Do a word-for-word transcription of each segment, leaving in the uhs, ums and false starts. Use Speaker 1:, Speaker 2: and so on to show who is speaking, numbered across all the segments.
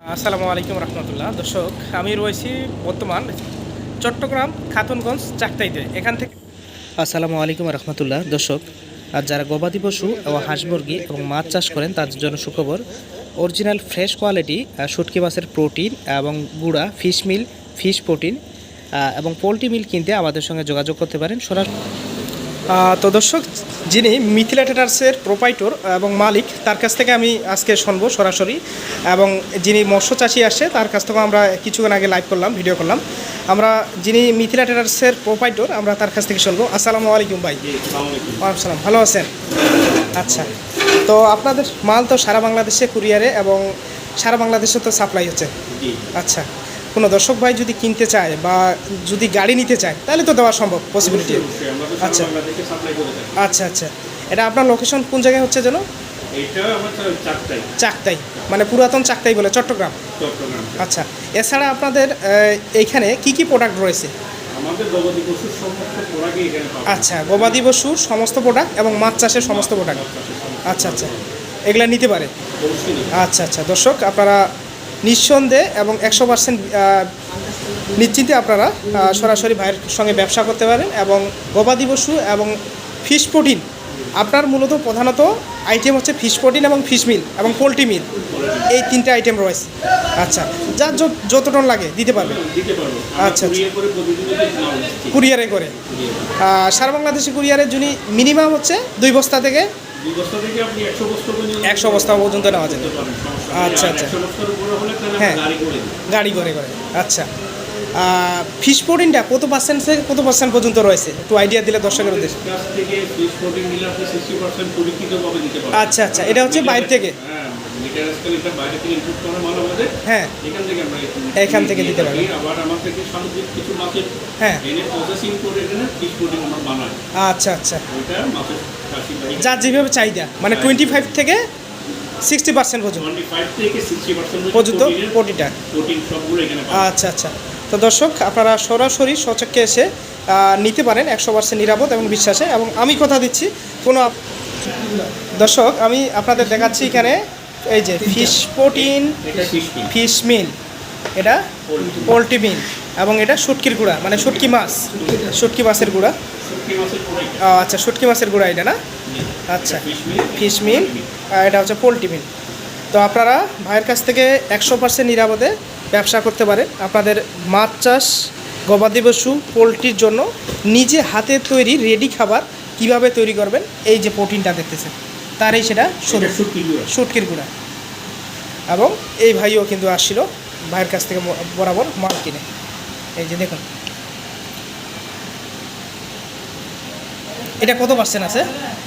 Speaker 1: আসসালামু আলাইকুম রহমতুল্লাহ। দর্শক, আমি রয়েছি বর্তমান চট্টগ্রাম খাতুনগঞ্জ চাকতাইতে। এখান থেকে আসসালামু আলাইকুম রহমতুল্লাহ। দর্শক, আর যারা গবাদি পশু এবং হাঁস মুরগি এবং মাছ চাষ করেন তাদের জন্য সুখবর। অরিজিনাল ফ্রেশ কোয়ালিটি শুটকি মাছের প্রোটিন এবং গুঁড়া ফিশ মিল, ফিশ প্রোটিন এবং পোলট্রি মিল কিনতে আমাদের সঙ্গে যোগাযোগ করতে পারেন সরাসরি। তো দর্শক, যিনি মিথিলা ট্রেডার্সের প্রোপাইটর এবং মালিক, তার কাছ থেকে আমি আজকে শুনবো সরাসরি। এবং যিনি মৎস্য চাষি আসে তার কাছ থেকেও আমরা কিছুক্ষণ আগে লাইভ করলাম, ভিডিও করলাম। আমরা যিনি মিথিলা ট্রেডার্সের প্রোপাইটর, আমরা তার কাছ থেকে শুনবো। আসসালামু আলাইকুম ভাই। ওয়ালাইকুম সালাম, ভালো আছেন? আচ্ছা, তো আপনাদের মাল তো সারা বাংলাদেশে কুরিয়ারে এবং সারা বাংলাদেশে তো সাপ্লাই হচ্ছে। আচ্ছা, কোনো দর্শক ভাই যদি কিনতে চায় বা যদি গাড়ি নিতে চায় তাহলে তো দেওয়া সম্ভব, পসিবিলিটি। আচ্ছা আচ্ছা আচ্ছা এটা আপনার লোকেশন কোন জায়গায় হচ্ছে যেন? চাকতাই, মানে পুরাতন চাকতাই বলে চট্টগ্রাম। আচ্ছা, এছাড়া আপনাদের এইখানে কি কি প্রোডাক্ট রয়েছে? আচ্ছা, গবাদি পশুর সমস্ত প্রোডাক্ট এবং মাছ চাষের সমস্ত প্রোডাক্ট। আচ্ছা আচ্ছা, এগুলা নিতে পারে। আচ্ছা আচ্ছা দর্শক, আপনারা নিঃসন্দেহে এবং একশো পার্সেন্ট নিশ্চিন্তে আপনারা সরাসরি ভাইয়ের সঙ্গে ব্যবসা করতে পারেন। এবং গবাদি পশু এবং ফিশ প্রোটিন, আপনার মূলত প্রধানত আইটেম হচ্ছে ফিশ প্রোটিন এবং ফিশ মিল এবং পোলট্রি মিল, এই তিনটে আইটেম রয়েছে। আচ্ছা, যার যত টন লাগে দিতে পারবে। আচ্ছা, কুরিয়ারে করে সারা বাংলাদেশে কুরিয়ারের জন্য মিনিমাম হচ্ছে দুই বস্তা থেকে একশো বস্তা পর্যন্ত নেওয়া যায়। আচ্ছা আচ্ছা, হ্যাঁ, গাড়ি করে করে। আচ্ছা, ফিশ প্রোটিনটা কত পার্সেন্ট থেকে কত পার্সেন্ট পর্যন্ত রয়েছে একটু আইডিয়া দিলে দর্শকের উদ্দেশ্যে। আচ্ছা আচ্ছা, এটা হচ্ছে বাইরে থেকে? হ্যাঁ, এখান থেকে দিতে পারবেন। হ্যাঁ, আচ্ছা আচ্ছা, যার যেভাবে চাহিদা, মানে টোয়েন্টি ফাইভ থেকে সিক্সটি পার্সেন্ট পর্যন্ত পর্যন্ত প্রোটিনটা। আচ্ছা আচ্ছা, তো দর্শক, আপনারা সরাসরি সচক্ষে এসে নিতে পারেন একশো পার্সেন্ট নিরাপদ এবং বিশ্বাসে। এবং আমি কথা দিচ্ছি, কোনো দর্শক, আমি আপনাদের দেখাচ্ছি এখানে এই যে ফিশ প্রোটিন, ফিশ মিল, এটা পোলট্রি মিল, এবং এটা শুটকির গুঁড়া, মানে শুটকি মাছ, শুটকি মাছের গুঁড়া। আচ্ছা, শুটকি মাছের গুঁড়া এটা না? আচ্ছা, ফিশ মিল, এটা হচ্ছে পোলট্রি মিল। তো আপনারা ভাইয়ের কাছ থেকে একশো পার্সেন্ট নিরাপদে ব্যবসা করতে পারেন। আপনাদের মাছ চাষ, গবাদি পশু, পোলট্রির জন্য নিজে হাতে তৈরি রেডি খাবার কিভাবে তৈরি করবেন, এই যে প্রোটিনটা দেখতেছেন তারই সেটা শুটকির গুঁড়া। এবং এই ভাইও কিন্তু আসছিল ভাইয়ের কাছ থেকে বরাবর মাল কিনে। এই যে দেখুন, এটা কত পার্সেন্ট আছে?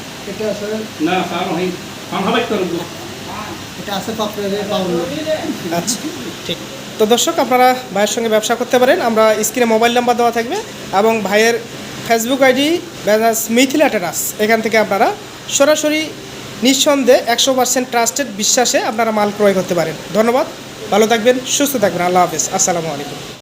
Speaker 1: আচ্ছা, ঠিক। তো দর্শক, আপনারা ভাইয়ের সঙ্গে ব্যবসা করতে পারেন। আমরা স্ক্রিনে মোবাইল নাম্বার দেওয়া থাকবে এবং ভাইয়ের ফেসবুক আইডি ব্যানাস মিথিলা ট্রেডার্স, এখান থেকে আপনারা সরাসরি নিঃসন্দেহে একশো পার্সেন্ট ট্রাস্টেড বিশ্বাসে আপনারা মাল ক্রয় করতে পারেন। ধন্যবাদ, ভালো থাকবেন, সুস্থ থাকবেন। আল্লাহ হাফেজ, আসসালামু আলাইকুম।